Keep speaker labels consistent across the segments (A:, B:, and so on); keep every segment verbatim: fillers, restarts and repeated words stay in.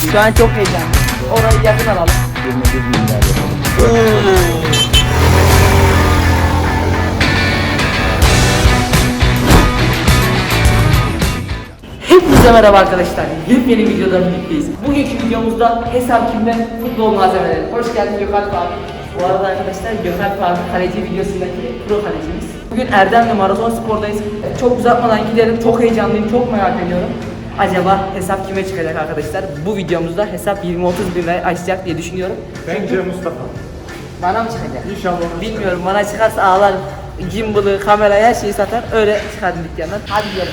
A: Şu an çok heyecanlı. Orayı yakın alalım.
B: yirmi bir milyar yapalım.
A: Hepinize merhaba arkadaşlar. Yepyeni videoda birlikteyiz. Bugünkü videomuzda hesap kimde futbol malzemeleri. Hoş geldin Gökalp abi. Bu arada arkadaşlar Gökalp abi kaleci videosundaki pro kalecimiz. Bugün Erdem'le Maraton Spor'dayız. Çok uzatmadan gidelim. Çok heyecanlıyım. Çok merak ediyorum. Acaba hesap kime çıkacak arkadaşlar? Bu videomuzda hesap yirmi otuz bin liraya açacak diye düşünüyorum.
C: Bence Mustafa.
A: Bana mı çıkacak?
C: İnşallah.
A: Bilmiyorum, bana çıkarsa ağlarım. Gimbal'ı, kamerayı, her şeyi satar. Öyle çıkardım dükkandan. Hadi gidelim.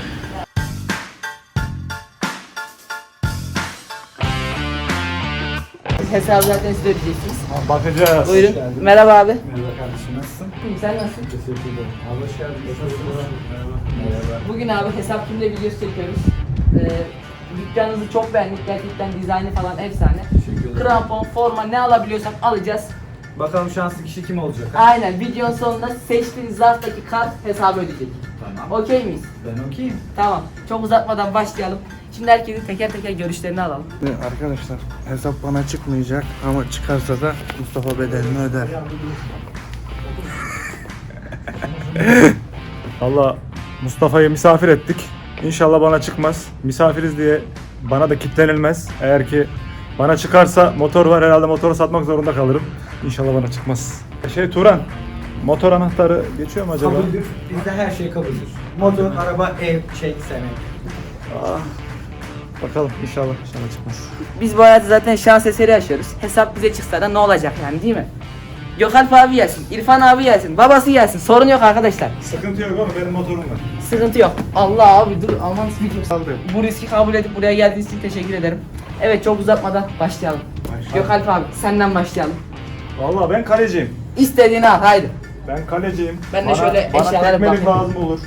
A: Hesabı zaten siz ödeyeceksiniz.
C: Bakacağız.
A: Buyurun. Merhaba abi.
C: Merhaba kardeşim, nasılsın?
A: İyiyim, sen nasılsın?
C: Teşekkür ederim. Abi hoş geldin. Merhaba. Merhaba.
A: Bugün abi hesap kimde videosu çekiyoruz. Ee, dükkanınızı çok beğendik. Gerçekten dizaynı falan efsane.
C: Teşekkür ederim.
A: Krampon, forma ne alabiliyorsak alacağız.
C: Bakalım şanslı kişi kim olacak?
A: Aynen, videonun sonunda seçtiğiniz zarftaki kart hesabı ödeyecek.
C: Tamam.
A: Okey miyiz?
C: Ben okeyim.
A: Tamam. Çok uzatmadan başlayalım. Şimdi herkesin teker teker görüşlerini alalım.
B: Arkadaşlar hesap bana çıkmayacak ama çıkarsa da Mustafa bedelini öder.
C: Valla Mustafa'yı misafir ettik. İnşallah bana çıkmaz. Misafiriz diye bana da kitlenilmez. Eğer ki bana çıkarsa motor var, herhalde motoru satmak zorunda kalırım. İnşallah bana çıkmaz. Şey Turan, motor anahtarı geçiyor mu acaba?
D: Kabuldür. Bizde her şey kabuldür. Motor, araba, ev, şey, sene.
C: Ah, bakalım inşallah inşallah çıkmaz.
A: Biz bu hayatı zaten şans eseri yaşıyoruz. Hesap bize çıksa da ne olacak yani, değil mi? Gökalp abi gelsin, İrfan abi gelsin, babası gelsin. Sorun yok arkadaşlar.
C: Sıkıntı yok oğlum, benim motorum var.
A: Sıkıntı yok. Allah abi dur, Alman speaking.
C: Saldı.
A: Bu riski kabul edip buraya geldiğiniz için teşekkür ederim. Evet, çok uzatmadan başlayalım.
C: Başlayalım.
A: Gökalp abi senden başlayalım.
C: Valla ben kaleciyim.
A: İstediğini al, haydi.
C: Ben kaleciyim.
A: Ben de
C: bana,
A: şöyle
C: bana
A: eşyalara
C: tekmelik
A: bakayım.
C: lazım olur.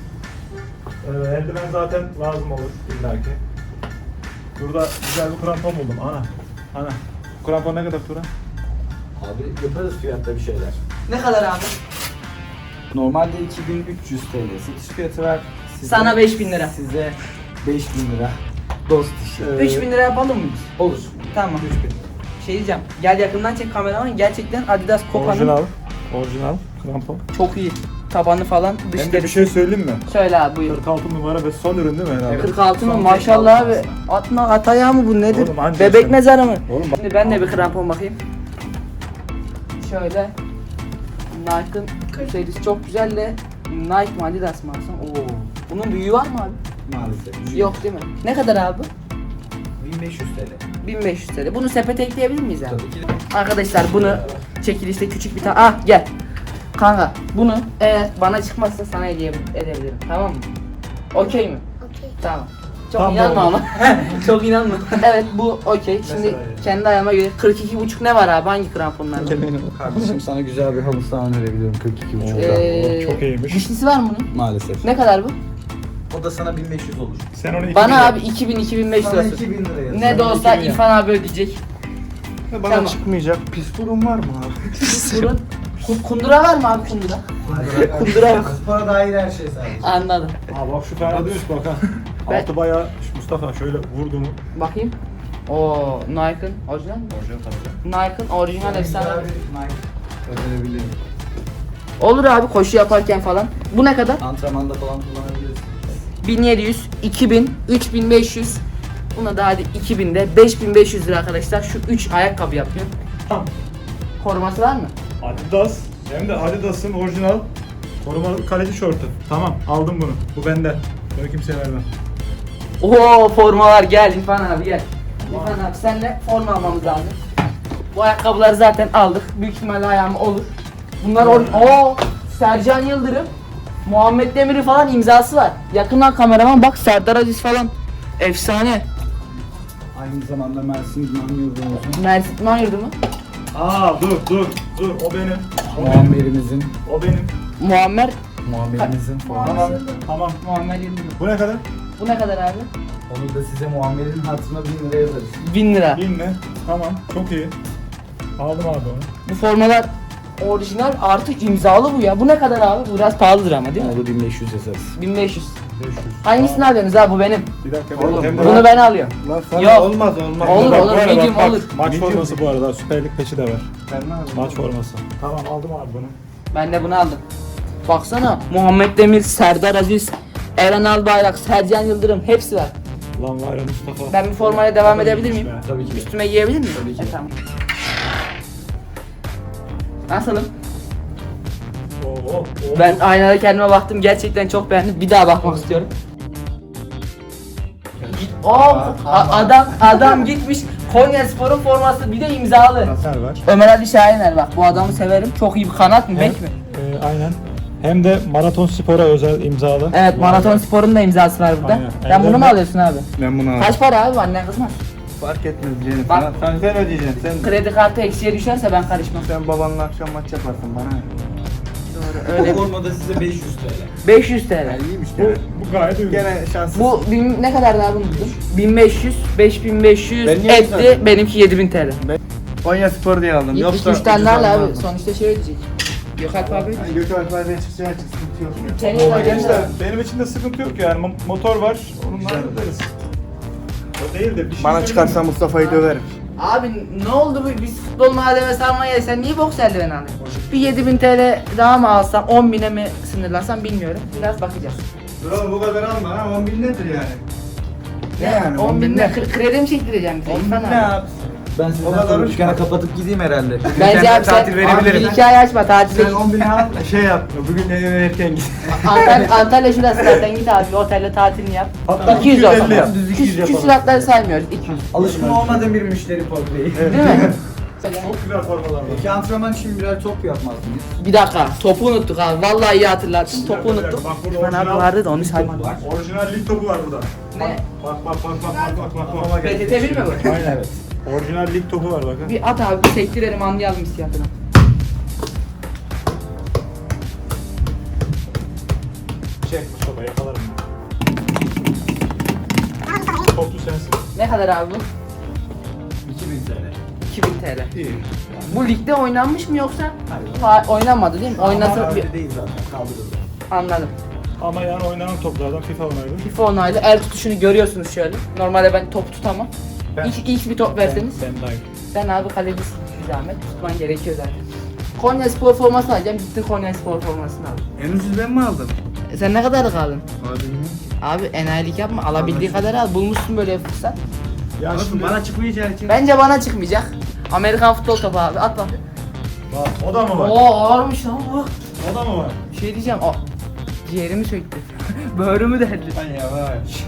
C: Ee, eldiven zaten lazım olur illaki. Burada güzel bir krampon buldum. Ana. Ana. Bu krampon ne kadar Turan?
D: Abi yaparız fiyatta bir şeyler.
A: Ne kadar abi?
D: Normalde iki bin üç yüz T L satış fiyatı var. Size,
A: Sana beş bin lira.
D: Size beş bin lira. Dost işi.
C: Ee,
A: üç bin lira yapalım mı?
D: Olur.
A: Tamam.
D: üç bin.
A: Şey diyeceğim, gel yakından çek kameraman, gerçekten Adidas Copa'nın
C: Orijinal. Orijinal krampon.
A: çok iyi. Tabanı falan, dış
C: Hem de bir
A: derisi.
C: şey söyleyeyim mi?
A: Söyle abi, buyur.
C: kırk altı numara ve son ürün değil mi herhalde?
A: kırk altı mı?
D: Son
A: Maşallah
D: kırk
A: abi.
D: altı
A: Atma at ayağı mı bu, nedir?
C: Oğlum anca
A: Bebek
C: sen-
A: mezarı mı?
C: Oğlum bak-
A: Şimdi ben de bir krampon bakayım. Şöyle. Nike'ın serisi çok güzel de Nike mi Adidas mı alsam? Oo. Bunun büyüğü var mı abi?
D: Maalesef.
A: Yok değil mi? Ne kadar abi?
D: bin beş yüz T L.
A: bin beş yüz T L. Bunu sepete ekleyebilir miyiz abi?
D: Tabii ki.
A: Arkadaşlar bunu çekilişte küçük bir tane... Ah gel. Kanka bunu eğer bana çıkmazsa sana hediye edebilirim, tamam mı? Okey mi?
E: Okey.
A: Tamam. Çok
C: Tamam,
A: inanma
C: oldu.
A: ama. Çok inanma. Evet, bu okey. Şimdi
C: Mesela yani.
A: kendi ayağıma göre kırk iki buçuk ne var abi? Hangi kramponlarda?
D: Kardeşim sana güzel bir halı saha önerebilirim kırk iki buçuk.
A: Ee,
C: Çok iyiymiş.
A: Dişlisi var mı bunun?
D: Maalesef.
A: Ne kadar bu?
D: O da sana bin beş yüz olur.
C: Sen onu iki
A: Bana
C: bin
A: abi iki bin iki bin beş
D: Sana
A: lirası.
D: iki bin lira yazıyor.
A: Ne de olsa İrfan abi ödeyecek.
B: Bana
A: Tamam.
B: çıkmayacak pis durum var mı abi?
A: Burun. Ku- Kundura var mı abi, kundura? Kundura yok.
D: Spora dair her şey sadece.
A: Anladım.
C: Aa bak şu fena değilmiş bak ha.
A: Ben-
C: Altı bayağı Mustafa şöyle vurdu mu?
A: Bakayım. Oo, Nike'ın orijinal mi?
C: Orijinal tabii.
A: Nike'ın orijinal efsane.
D: Güzel bir Nike önerebilirim.
A: Olur abi, koşu yaparken falan. Bu ne kadar?
D: Antrenmanda falan kullanabilirsin.
A: bin yedi yüz, iki bin, üç bin beş yüz. Buna da hadi iki binde beş bin beş yüz lira arkadaşlar. Şu üç ayakkabı yapıyor.
C: Tamam.
A: Koruması var mı?
C: Adidas. Hem de Adidas'ın orijinal korumalı kaleci şortu. Tamam aldım bunu. Bu bende. Bunu kimseye vermem.
A: Oo, formalar, gel İrfan abi gel. İrfan abi senle forma almamız lazım. Bu ayakkabıları zaten aldık. Büyük ihtimalle ayağım olur. Bunlar or Oo, Sercan Yıldırım, Muhammed Demir'i falan imzası var. Yakından kameraman bak, Serdar Aziz falan. Efsane.
D: Aynı zamanda Mersin İdman Yurdu'muzun
A: Mersin İdman Yurdu mu?
C: Aa dur dur dur o benim. O benim.
D: muammerimizin
C: O benim.
A: Muammer
D: muammerimizin
C: Tamam.
D: forması.
C: Tamam.
A: Muammer Yıldırım.
C: Bu ne kadar?
A: Bu ne kadar abi?
D: Onu da size muammerin hatırına bin lira yazarız.
A: bin lira.
C: Bin mi? Tamam. Çok iyi. Aldım abi onu.
A: Bu formalar Orijinal artı imzalı bu ya. Bu ne kadar abi? Bu biraz pahalıdır ama değil mi?
D: Oldu bin beş yüz yazarız.
A: bin beş yüz.
C: beş yüz.
A: Hangisini alıyorsunuz abi? Bu benim.
C: Bir dakika.
B: Oğlum,
C: hem de
A: Bunu ben alıyorum.
B: Lan sana
A: Yok.
B: olmaz olmaz.
A: Olur,
C: Bak,
A: olur,
C: bu arada
A: medium
C: bak,
A: olur.
C: Maç forması bu arada. Süper Lig peçi de var.
B: Ben ne yapayım?
C: Maç forması. Tamam aldım abi bunu.
A: Ben de bunu aldım. Baksana Muhammed Demir, Serdar Aziz, Eren Albayrak, Sercan Yıldırım hepsi var.
C: Lan var ya Mustafa.
A: Ben bir formaya devam edebilir miyim?
D: Tabii ki.
A: Üstüme giyebilir miyim?
D: Tabii ki.
A: E, tamam. Nasılım?
C: Oo, oo.
A: Ben aynada kendime baktım, gerçekten çok beğendim. Bir daha bakmak istiyorum. O adam adam gitmiş Konyaspor'un forması bir de imzalı.
C: Nasıl var?
A: Ömer Ali Şahiner bak, bu adamı severim. Çok iyi bir kanat mı, bek mi?
C: E, aynen. Hem de Maraton Spor'a özel imzalı.
A: Evet, Maraton Spor'un da imzası var burada.
C: Aynen.
A: Sen bunu mu
C: Ellerinde-
A: alıyorsun abi?
B: Ben bunu aldım.
A: Kaç para abi, annen kızmaz.
B: Fark etmez Cennet.
A: Bak.
B: Sen, sen, sen ödeyeceksin. Sen,
A: Kredi kartı eksiye düşerse ben karışmam.
B: sen babanla akşam maç yaparsın bana. ne?
A: Doğru, öyle.
D: Formada size beş yüz T L.
A: beş yüz T L.
B: İyiymiş
C: Bu,
B: gene.
C: bu gayet uygun.
B: Gene şanssız.
A: Bu bin, ne kadar daha bunu buldum? bin beş yüz, beş bin beş yüz
B: Ben niye
A: etti,
B: güzel-
A: benimki yedi bin T L.
B: Konya Spor diye aldım.
A: Git
B: Yoksa
A: iki üç tane
B: ucuz
A: daha al abi,
B: almazdım.
A: sonuçta şey ödeyecek. Gökalp abi.
B: Yani Gökhan Alpay'dan çıkacağı için sıkıntı yok. ya.
A: Senin de ödeyecek.
C: İşte benim için de sıkıntı yok yani. Mo- Motor var. Onunla hallederiz. O değil de bir şey
B: Bana
C: söyleyeyim
B: çıkarsa
C: mi?
B: Mustafa'yı döverim.
A: Abi ne oldu bu, biz futbol malzemesi almaya, sen niye boks eldiveni alıyorsun? Bir yedi bin T L daha mı alsam, on bine mi sınırlansam bilmiyorum. Biraz bakacağız.
B: Dur oğlum bu kadar alma ha. on bin nedir yani? Ne yani?
A: on bin ne? Kre- Kredi mi çektireceğim bize?
B: on bin
A: İrfan
B: ne
A: abi.
B: abi?
D: Ben
B: O
D: sizden
B: kadar
D: sonra
B: mı?
D: dükkanı kapatıp gideyim herhalde.
A: Bence abi sen
B: tatil verebilirim.
A: bir iki ay açma, tatile
B: Sen
A: git.
B: on bin al şey yap. Bugün eve erken git.
A: Antalya, Antalya şurası zaten, git abi otelde tatilini yap.
C: Hatta
A: iki yüz olsun.
C: iki yüz elli yap, düz iki yüz
A: Küs,
C: yapalım.
A: küsuratları saymıyoruz. iki yüz.
D: Alışkın olmadığım bir müşteri portreyi.
A: Değil mi?
C: Çok güzel formalar var.
D: Peki antrenman için birer top yapmaz mıyız?
A: Bir dakika, topu unuttuk abi. Vallahi iyi hatırlattın. Topu unuttuk.
C: Bak burada
A: İrfan abi
C: orijinal-
A: vardı da onu saymadım.
C: Orijinal lig topu var burada.
A: Ne?
C: Bak bak bak bak bak bak bak.
A: B T T bir mi bu?
C: Aynen evet. Orijinal lig topu var bakın.
A: Bir at abi, bir sektirelim, anlayalım hissiyatını.
C: Çek Mustafa yakalarım. Toplu sensin.
A: Ne kadar abi bu?
D: iki bin T L.
A: iki bin T L.
C: İyi.
A: Bu ligde oynanmış mı yoksa? Ha, oynanmadı değil mi? Oynasa bir...
D: değil zaten kaldırıldı.
A: Anladım.
C: Ama yani oynanan toplardan FIFA onaylı.
A: FIFA onaylı, el tutuşunu görüyorsunuz şöyle. Normalde ben top tutamam.
C: Ben-
A: İlk, ilk bir top verseniz.
C: Ben, ben dahil.
A: Sen abi kalecisin, bir zahmet. Tutman gerekiyor zaten. Konya Spor forması alacağım. Gittin Konya Spor formasını al.
B: En ucuz ben mi aldım?
A: E sen ne kadar kaldın?
B: Abi
A: Abi enayilik yapma. Alabildiği kadar al. Bulmuşsun böyle bir fırsat.
C: Ya şimdi
B: bana çıkmayacağı için.
A: Bence bana çıkmayacak. Amerikan futbol topu abi. At bak.
C: bak, o da mı var?
A: Oo ağırmış lan bu.
C: O da mı var?
A: Bir şey diyeceğim. O ciğerimi söktü. Böğrümü deldi.
B: Ay yavaş.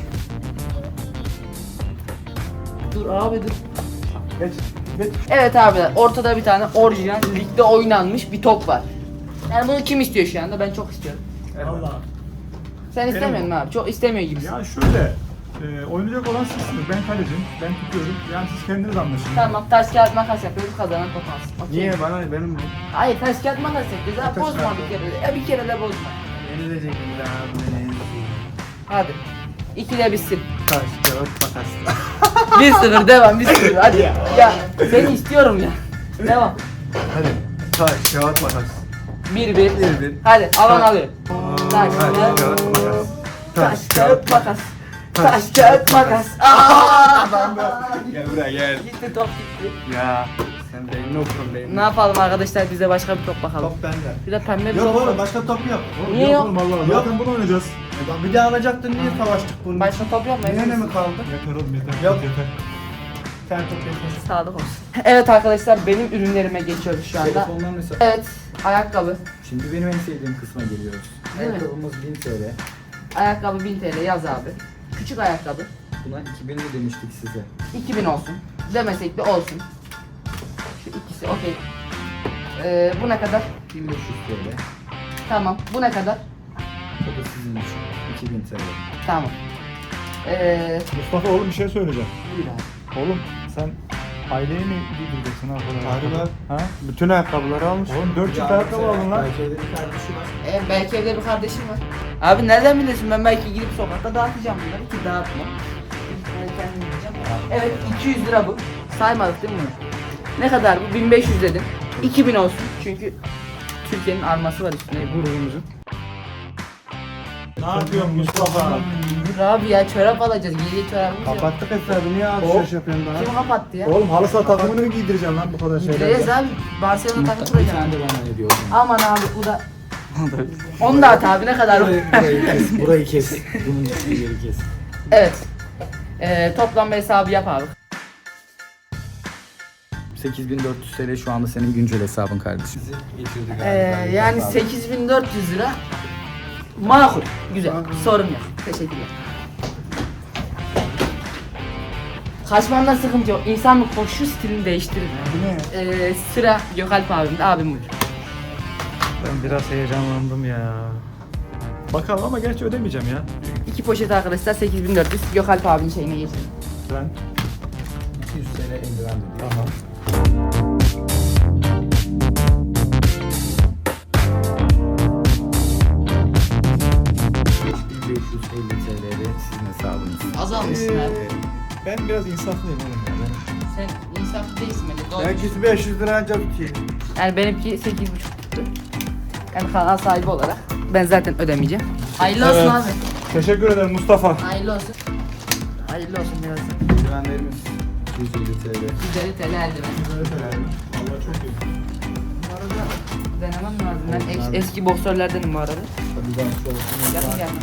A: Dur abi dur.
C: Geç. Geç.
A: Evet abiler, ortada bir tane orijinal ligde oynanmış bir top var. Yani bunu kim istiyor şu anda? Ben çok istiyorum.
C: Allah.
A: Sen istemiyorsun mu abi? Çok istemiyor gibisin.
C: Ya şöyle. E, oynayacak olan sizsiniz. Ben kalecim. Ben tutuyorum. Yani siz kendiniz anlaşın.
A: Tamam, taş kağıt makas yapıyoruz, kazanan top alsın. Okey.
B: Niye bana benim bu?
A: Hayır, taş kağıt makas yapıyoruz. Ha,
B: Taş
A: bozma
B: kağıt.
A: bir kere de. Ya bir kere de bozma.
B: Yenilecek bir daha bu ne?
A: Hadi. İkide bitsin.
B: Taş, kağıt, makas.
A: bir sıfır devam, bir sıfır. Hadi ya. Ya seni istiyorum ya. Devam.
B: Hadi. Taş, kağıt, makas.
A: bir bir.
B: Bir bir.
A: Hadi alan
B: Taş.
A: alıyor. Taş,
B: Taş,
A: kağıt,
B: kağıt, makas.
A: taş, kağıt, makas. Taş, kağıt, makas. Aaa!
B: Gel buraya gel.
A: Gitti top gitti.
B: Ya. Sen de no problem.
A: Ne yapalım arkadaşlar, bize başka bir top bakalım.
B: Top bende.
A: Bir de pembe bir
B: Yok
A: top
B: oğlum
A: var.
B: başka top yok.
C: Oğlum,
A: Niye
C: yok?
A: yok?
C: Oğlum Allah zaten bunu oynayacağız.
B: Bir daha alacaktın niye savaştık bunu?
A: Başka top yok mu?
B: Niye ne mi kaldı?
C: Yeter oğlum yeter.
B: Yok.
C: Yeter.
B: Sen top yeter.
A: Sağlık olsun. Evet arkadaşlar, benim ürünlerime geçiyoruz şu anda.
D: Telefonlar mesela.
A: Evet, ayakkabı.
D: Şimdi benim en sevdiğim kısma geliyoruz.
A: Değil mi?
D: Ayakkabımız bin T L.
A: Ayakkabı bin T L yaz abi. Küçük ayakkabı.
D: Buna iki bin demiştik size.
A: iki bin olsun. Demesek de olsun. Şu ikisi okey. Ee, bu ne kadar?
D: bin beş yüz T L.
A: Tamam. Bu ne kadar?
D: O da sizin için. iki bin T L.
A: Tamam. Ee,
C: Mustafa oğlum bir şey söyleyeceğim.
A: buyur abi.
C: Oğlum sen aileyi mi giydireceksin ha?
B: Harbi lan.
C: Ha?
B: Bütün ayakkabıları almış.
C: Oğlum dört çift ayakkabı aldın lan.
D: Belki evde bir kardeşi var.
A: Ee, belki evde bir kardeşim var. Abi nereden biliyorsun, ben belki gidip sokakta dağıtacağım bunları ki dağıtmam. Ben kendim yiyeceğim. Evet, iki yüz lira bu. Saymadık değil mi bunu? Ne kadar bu? bin beş yüz dedim. iki bin olsun çünkü Türkiye'nin arması var üstünde gururumuzun.
C: Ne yapıyorsun Mustafa?
A: Dur abi ya çorap alacağız. Geriye çorabımız yok.
B: Kapattık hesabı niye alışveriş yapıyorsun daha?
A: Kim kapattı ya?
C: Oğlum halı saha takımını mı giydireceksin lan bu kadar
A: Gideceğiz
C: şeylerle?
A: abi. Barcelona takım
D: Bir
A: kuracağım.
D: tane de bana hediye olsun.
A: Aman abi bu da. Onu da at abi ne kadar?
D: Burayı, burayı kes, burayı kes. Bunun üstünü geri kes.
A: Evet. Ee, toplam hesabı yap abi.
D: sekiz bin dört yüz TL şu anda senin güncel hesabın kardeşim.
A: Ee, yani sekiz bin dört yüz lira. Makul. Güzel. Sorun yok. Teşekkürler. Kaçmandan sıkıntı yok. İnsan bir koşu stilini değiştirir. Ee, sıra Gökalp abimde. Abim buyur.
C: Ben biraz heyecanlandım ya. Bakalım ama gerçi ödemeyeceğim ya.
A: İki poşet arkadaşlar sekiz bin dört yüz. Gökalp abinin şeyine geçelim.
C: Ben
D: iki yüz TL eldiven dedi.
C: tamam.
D: üç bin beş yüz elli TL'de sizin hesabınız.
A: Azalmışsın abi.
C: Ee, ben biraz insaflıyım oğlum ya. Ben-
A: Sen insaflı değilsin bence. Doğru.
B: Belki beş yüz lira ancak tutuyor.
A: Yani benimki sekiz buçuk tuttu. Yani kanal sahibi olarak ben zaten ödemeyeceğim. Hayırlı olsun
C: Evet.
A: abi.
C: Teşekkür ederim Mustafa.
A: Hayırlı olsun. Hayırlı olsun biraz.
D: Eldivenlerimiz iki yüz elli TL.
A: yüz elli TL eldiven.
C: Vallahi çok iyi.
A: Bu arada denemem lazım. Ben es- eski boksörlerdenim bu arada.
D: Hadi ben şu olsun.
A: Yakın gel.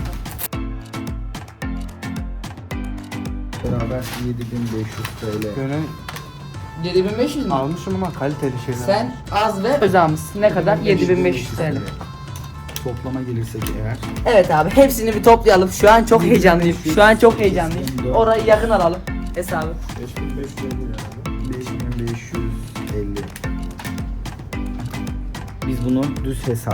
D: Beraber yedi bin beş yüz TL.
B: Böyle
A: yedi bin beş yüz mü?
B: almışım ama kaliteli şeyler.
A: Sen az ve özağımız. Ne kadar? yedi bin beş yüz TL.
D: Toplama gelirsek eğer
A: Evet abi hepsini bir toplayalım. Şu an çok heyecanlıyım. Şu an çok heyecanlıyım. Orayı yakın alalım hesabı.
C: beş bin beş yüz elli yani.
D: beş bin beş yüz elli. Biz bunu düz hesap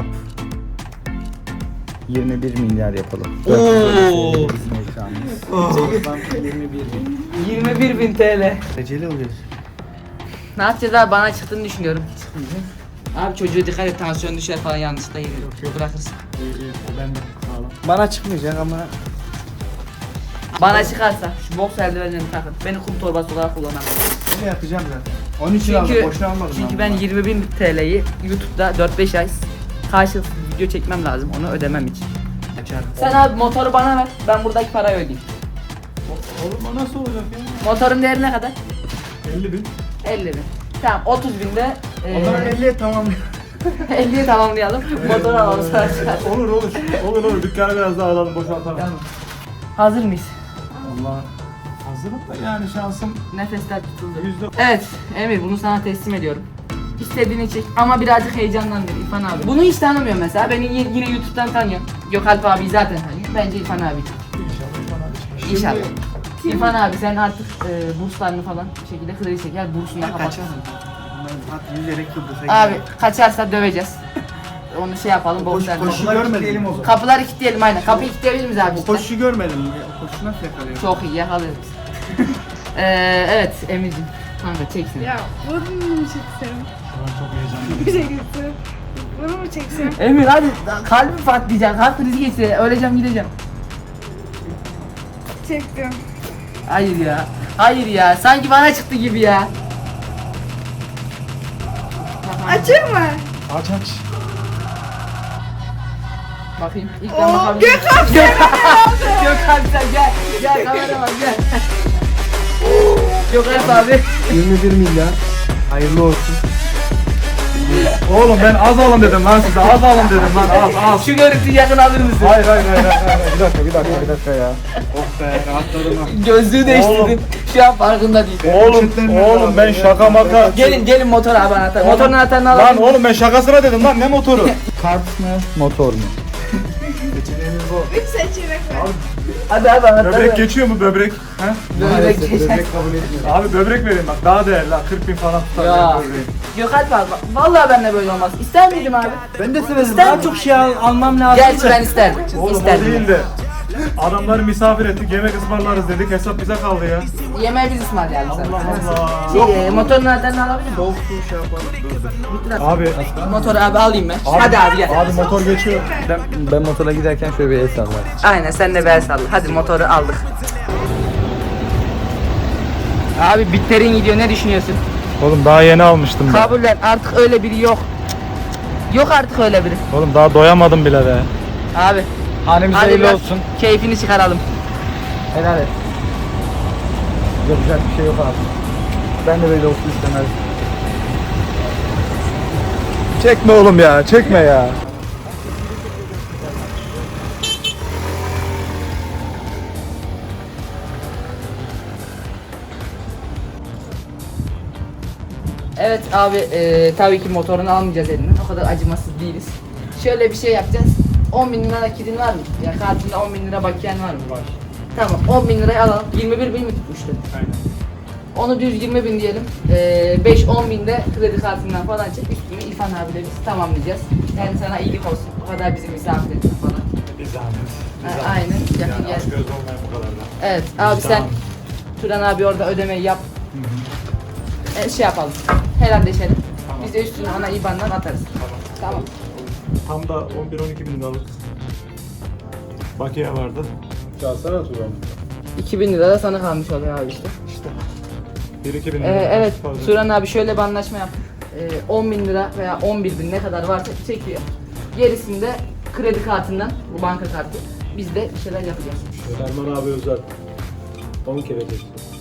D: yirmi bir milyar yapalım.
A: Oo.
D: Bizim ekranımız. Toplam yirmi bir bin.
A: yirmi bir bin T L.
B: Beceli oluyoruz.
A: Ne yapacağız abi? Bana çıktığını düşünüyorum. Abi çocuğa dikkat et, tansiyon düşer falan yanlışlıkla gelir. Bırakırsın.
C: İyi iyi. O bende. Sağlam.
B: Bana çıkmayacak ama
A: Bana çıkarsa şu boks eldivenlerini takın. Beni kum torbası olarak kullanamam.
B: ne yapacağım zaten. Onun için aldım,
A: Çünkü,
B: boşuna almadım.
A: çünkü ben yirmi bin T L'yi YouTube'da dört beş ay karşılıklı video çekmem lazım onu ödemem için. Sen abi motoru bana ver, ben buradaki parayı ödeyeyim.
C: Oğlum o nasıl olacak ya?
A: Motorun değeri ne kadar?
C: elli bin.
A: elli bin. Tamam otuz binde
B: O zaman
A: eee
B: elliye tamam.
A: elliye tamamlayalım. Motoru alalım sonra çıkar.
C: Olur olur. Olur olur. Dükkanı biraz daha alalım boşaltalım.
A: Tamam. Hazır mıyız?
C: Allah. Hazırım da yani şansım
A: Nefesler tutuldu.
C: yüzde...
A: Evet Emir bunu sana teslim ediyorum. İstediğini çek ama birazcık heyecanlandır İrfan abi. Bunu hiç tanımıyor mesela. Beni y- yine YouTube'dan tanıyor. Gökalp abi zaten tanıyor. Bence İrfan abi.
C: İnşallah bana çıkar.
A: İnşallah. İrfan abi sen artık e, burslarını falan bir şekilde kredi çeker. Bursunu da kapatırsın.
B: At yüzerek Kıbrıs'a
A: Abi kaçarsa döveceğiz. Onu şey yapalım. bokslarla.
B: koşu görmedim.
D: o zaman.
A: Kapıları kilitleyelim aynen. Kapıyı kilitleyebilir miyiz abi?
B: O
A: cidden?
B: koşu görmedim. O koşu nasıl yakalıyor?
A: Çok iyi yakalarız. ee, evet Emir'cim. Kanka çeksin.
E: Ya bunu mu çeksem?
C: Şu an çok heyecanlıyım.
E: Bir şey gitsin. Bunu mu çeksem?
A: Emir hadi kalbim patlayacak. Kalp krizi geçti. Öleceğim gideceğim.
E: Çektim.
A: Hayır ya. Hayır ya. Sanki bana çıktı gibi ya.
E: Açayım mı?
C: Aç aç.
A: Bakayım. İlk ben
E: Oo,
A: bakabilirim.
E: Gökhan
A: Gökhan. Gökhan sen gel. Gel kamera bak gel. Gökhan abi.
B: yirmi bir milyar. Hayırlı olsun.
C: Oğlum ben az alın dedim lan size. Az alın dedim lan. Az az.
A: Şu görüntüyü yakın alır mısın?
C: Hayır hayır hayır hayır. hayır. Bir dakika bir dakika bir dakika ya.
B: Oh be rahatladım ha.
A: Gözlüğü değiştirdim. Şu an farkında değil.
C: Oğlum oğlum ben şaka maka.
A: Gelin gelin motor abi anahtar. Motorun anahtarını
C: Lan
A: alalım.
C: oğlum ben şakasına dedim lan ne motoru?
D: Kart mı, motor mu?
E: Üç seçenek var.
A: Hadi abi anahtarı.
C: Böbrek geçiyor mu böbrek? He?
A: Böbrek geçer.
D: kabul etmiyor.
C: Abi böbrek vereyim bak daha değerli ha kırk bin falan tutar
A: Ya.
C: ya. böbreği.
A: Gökalp abi bak. Vallahi benimle böyle olmaz. İster miydim abi?
B: Ben de severim.
A: İster
B: Daha
A: misin?
B: çok şey al- almam lazım.
A: Gerçi ben isterdim.
C: Oğlum o
A: İsterdim.
C: değil de. Adamları misafir ettik yemek ısmarlarız dedik hesap bize kaldı ya.
A: Yemeği biz ısmarlayalım sana.
C: Allah Allah.
A: Şey, e, motorun anahtarını alabilir miyim?
B: Soğuk su şey yapalım. Dur dur.
C: Abi,
A: Motoru abi alayım ben. Hadi abi gel.
C: abi motor geçiyor.
D: Ben, ben motora giderken şöyle bir el sallar.
A: Aynen sen de bel salla. Hadi motoru aldık. Abi bitlerin gidiyor ne düşünüyorsun?
C: Oğlum daha yeni almıştım ben.
A: Kabullen artık öyle biri yok. Yok artık öyle biri.
C: Oğlum daha doyamadım bile be.
A: Abi.
D: Hanemize
A: Hadi
D: hayırlı
A: biraz
D: olsun.
A: keyfini çıkaralım.
D: Helal et. Yapacak bir şey yok abi. Ben de böyle olsun istemezdim.
C: Çekme oğlum ya, çekme ya.
A: Evet abi e, tabii ki motorunu almayacağız elinden. O kadar acımasız değiliz. Şöyle bir şey yapacağız. on bin lira nakidin var mı? Ya kartında on bin lira bakiyen var mı?
C: Var.
A: Tamam on bin lirayı alalım. yirmi bir bin mi tutmuştu?
C: Aynen.
A: Onu düz yirmi bin diyelim. Ee, beş on bin de kredi kartından falan çek. Üstünü İrfan abiyle biz tamamlayacağız. Yani sana iyilik olsun. O kadar bizim misafir ettin falan.
C: Bir zahmet. Bir
A: Ha,
C: zahmet.
A: aynen. Yakın
C: Yani
A: gel.
C: aç göz olmayan bu kadar da.
A: Evet abi sen
C: Tamam.
A: Turan abi orada ödemeyi yap. E, şey yapalım. Helalleşelim.
C: Tamam.
A: Biz de üstünü ona I B A N'dan atarız.
C: Tamam.
A: Tamam.
C: Tam da on bir on iki bin liralık bakiye vardı. Çalsana Turan.
A: iki bin lira da sana kalmış oluyor abi işte.
C: İşte. bir iki bin
A: Ee,
C: lira.
A: evet
C: fazla.
A: Turan abi şöyle bir anlaşma yaptık. Ee, on bin lira veya on bir bin ne kadar varsa çekiyor. Gerisini de kredi kartından, bu banka kartı, biz de bir şeyler yapacağız.
C: Erman abi özel. on kere geçti.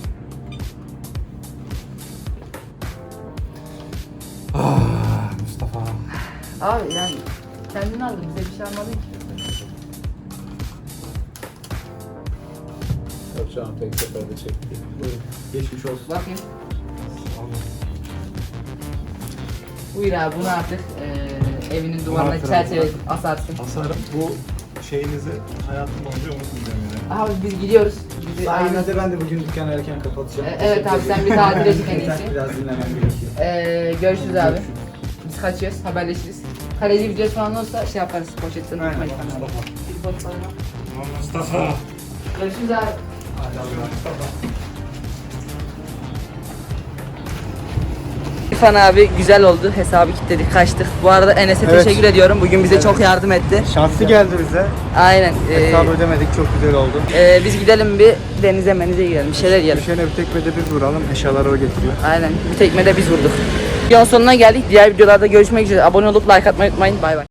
C: Ah Mustafa.
A: Abi yani kendini aldın bize bir şey almadın ki.
C: Yapacağım tek seferde çekti. Buyurun. Geçmiş olsun.
A: Bakayım. Buyur abi bunu artık eee evinin duvarına
C: Hatıra.
A: çerçeve asarsın.
C: Hasarım bu şeyinizi hayatım boyunca unutmayacağım yani.
A: Abi biz gidiyoruz. Bizi aynen.
D: Sayenizde ben de bugün dükkanı erken kapatacağım.
A: E, evet abi, sen bir tatile çık en iyisi.
D: Biraz dinlemem gerekiyor.
A: Eee görüşürüz abi. Biz kaçıyoruz, haberleşiriz. Kaleci videosu falan olursa şey yaparız, poşetten
D: Aynen,
A: unutmayın.
C: Mustafa.
A: Bir pot falan.
C: Mustafa.
A: Görüşürüz abi. İrfan abi güzel oldu. Hesabı kilitledik, kaçtık. Bu arada Enes'e
B: Evet.
A: teşekkür ediyorum. Bugün bize çok yardım etti.
B: Şanslı geldi bize.
A: Aynen. ee,
B: Hesabı ödemedik, çok güzel oldu.
A: ee, biz gidelim bir denize menize gidelim. Bir şeyler yiyelim.
B: Düşene bir tekmede biz vuralım, eşyaları o getiriyor.
A: Aynen. Bir tekmede biz vurduk. Videonun sonuna geldik. Diğer videolarda görüşmek üzere. Abone olup like atmayı unutmayın. Bay bay.